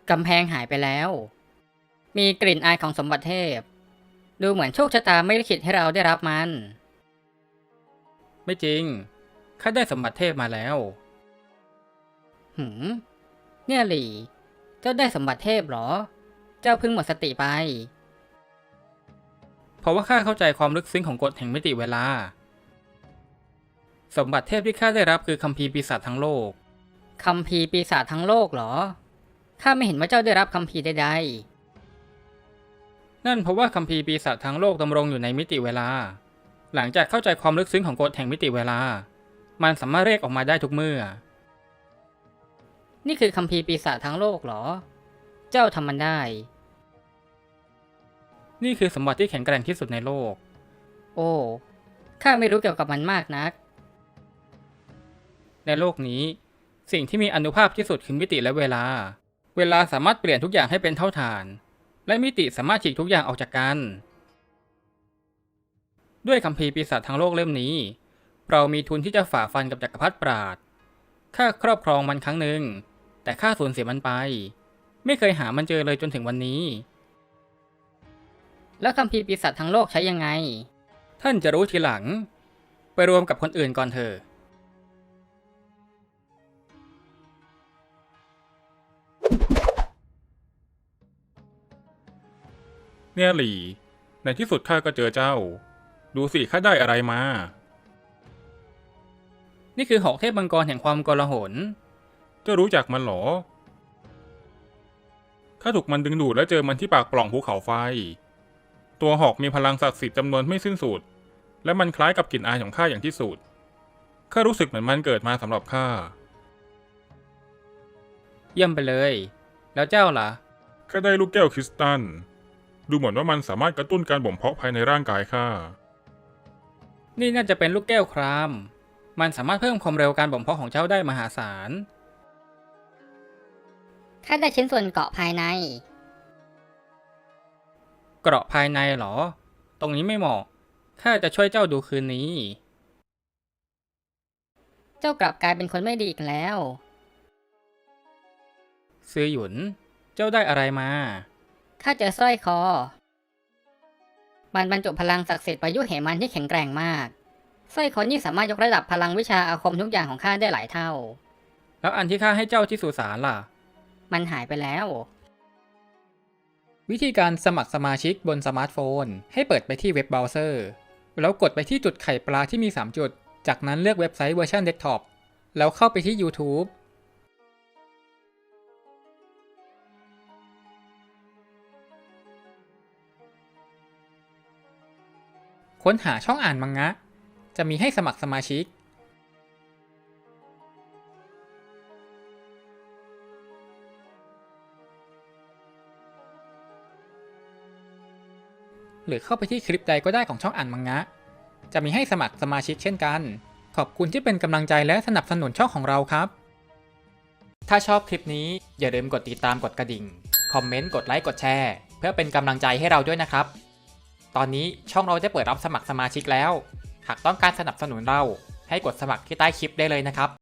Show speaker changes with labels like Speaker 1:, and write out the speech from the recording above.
Speaker 1: กำแพงหายไปแล้ว มีกลิ่นอายของสมบัติเทพ ดูเหมือนโชคชะตาไม่ลิขิตให้เราได้รับมัน
Speaker 2: ไม่จริง ข้าได้สมบัติเทพมาแล้ว
Speaker 1: เนี่ยหลี่ เจ้าได้สมบัติเทพเหรอ เจ้าเพิ่งหมดสติไป
Speaker 2: เพราะว่าข้าเข้าใจความลึกซึ้งของกฎแห่งมิติเวลา สมบัติเทพที่ข้าได้รับคือคัมภีร์ปีศาจทั้งโลก
Speaker 1: คัมภีร์ปีศาจทั้งโลกเหรอ ข้าไม่เห็นว่าเจ้าได้รับคัมภีร์ใด
Speaker 2: นั่นเพราะว่าคัมภีร์ปีศาจทั้งโลกดำรงอยู่ในมิติเวลา หลังจากเข้าใจความลึกซึ้งของกฎแห่งมิติเวลา มันสามารถเรียกออกมาได้ทุกเมื่อ
Speaker 1: ๆ นี่คือคัมภีร์ปีศาจทั้งโลกเหรอ เจ้าทำมันได้
Speaker 2: นี่คือสมบัติที่แข็งแกร่งที่สุดในโลก
Speaker 1: โอ้ ข้าไม่รู้เกี่ยวกับมันมากนัก
Speaker 2: ในโลกนี้สิ่งที่มีอานุภาพที่สุดคือมิติและเวลา เวลาสามารถเปลี่ยนทุกอย่างให้เป็นเท่าฐาน และมิติสามารถฉีกทุกอย่างออกจากกัน ด้วยคัมภีร์ปีศาจทั้งโลกเล่มนี้ เรามีทุนที่จะฝ่าฟันกับจักรพรรดิปราดข้าครอบครองมันครั้งหนึ่งแต่ข้าสูญเสียมันไป ไม่เคยหามันเจอเลยจนถึงวันนี้
Speaker 1: แล้วคัมภีร์ปีศาจทั้งโลกใช้ยังไง
Speaker 2: ท่านจะรู้ทีหลัง ไปรวมกับคนอื่นก่อนเถอะ
Speaker 3: เนี่ยหลี่ ในที่สุดข้าก็เจอเจ้า ดูสิข้าได้อะไรมา
Speaker 2: นี่คือหอกเทพมังกรแห่งความโกลาหล
Speaker 3: เจ้ารู้จักมันเหรอ ข้าถูกมันดึงดูดและเจอมันที่ปากปล่องภูเขาไฟ ตัวหอกมีพลังศักดิ์สิทธิ์จำนวนไม่สิ้นสุด และมันคล้ายกับกลิ่นอายของข้าอย่างที่สุด ข้ารู้สึกเหมือนมันเกิดมาสำหรับข้า
Speaker 2: เยี่ยมไปเลย แล้วเจ้าล่ะ
Speaker 3: ข้าได้ลูกแก้วคริสตัล ดูเหมือนว่ามันสามารถกระตุ้นการบ่มเพาะภายในร่างกายข้า
Speaker 2: นี่น่าจะเป็นลูกแก้วคราม มันสามารถเพิ่มความเร็วการบ่มเพาะของเจ้าได้มหาศาล
Speaker 1: ข้าได้ชิ้นส่วนเกาะภายใน
Speaker 2: เกราะภายในเหรอ ตรงนี้ไม่เหมาะ ข้าจะช่วยเจ้าดูคืนนี้
Speaker 1: เจ้ากลับกลายเป็นคนไม่ดีอีกแล้ว
Speaker 2: ซื้อหยุน เจ้าได้อะไรมา
Speaker 1: ข้าเจอสร้อยคอ มันบรรจุพลังศักดิ์สิทธิ์ประยุเหมันที่แข็งแกร่งมาก สร้อยคอนี้สามารถยกระดับพลังวิชาอาคมทุกอย่างของข้าได้หลายเท่า
Speaker 2: แล้วอันที่ข้าให้เจ้าที่สุสานล่ะ
Speaker 1: มันหายไปแล้ว
Speaker 2: วิธีการสมัครสมาชิกบนสมาร์ทโฟน ให้เปิดไปที่เว็บเบราว์เซอร์ แล้วกดไปที่จุดไข่ปลาที่มี 3 จุด จากนั้นเลือกเว็บไซต์เวอร์ชันเดสก์ท็อป แล้วเข้าไปที่ YouTube ค้นหาช่องอ่านมังงะ จะมีให้สมัครสมาชิก หรือเข้าไปที่คลิปใดก็ได้ของช่องอ่านมังงะ จะมีให้สมัครสมาชิกเช่นกัน ขอบคุณที่เป็นกำลังใจและสนับสนุนช่องของเราครับ ถ้าชอบคลิปนี้อย่าลืมกดติดตามกดกระดิ่ง คอมเมนต์ กดไลค์ กดแชร์ เพื่อเป็นกำลังใจให้เราด้วยนะครับ ตอนนี้ช่องเราได้เปิดรับสมัครสมาชิกแล้ว หากต้องการสนับสนุนเราให้กดสมัครที่ใต้คลิปได้เลยนะครับ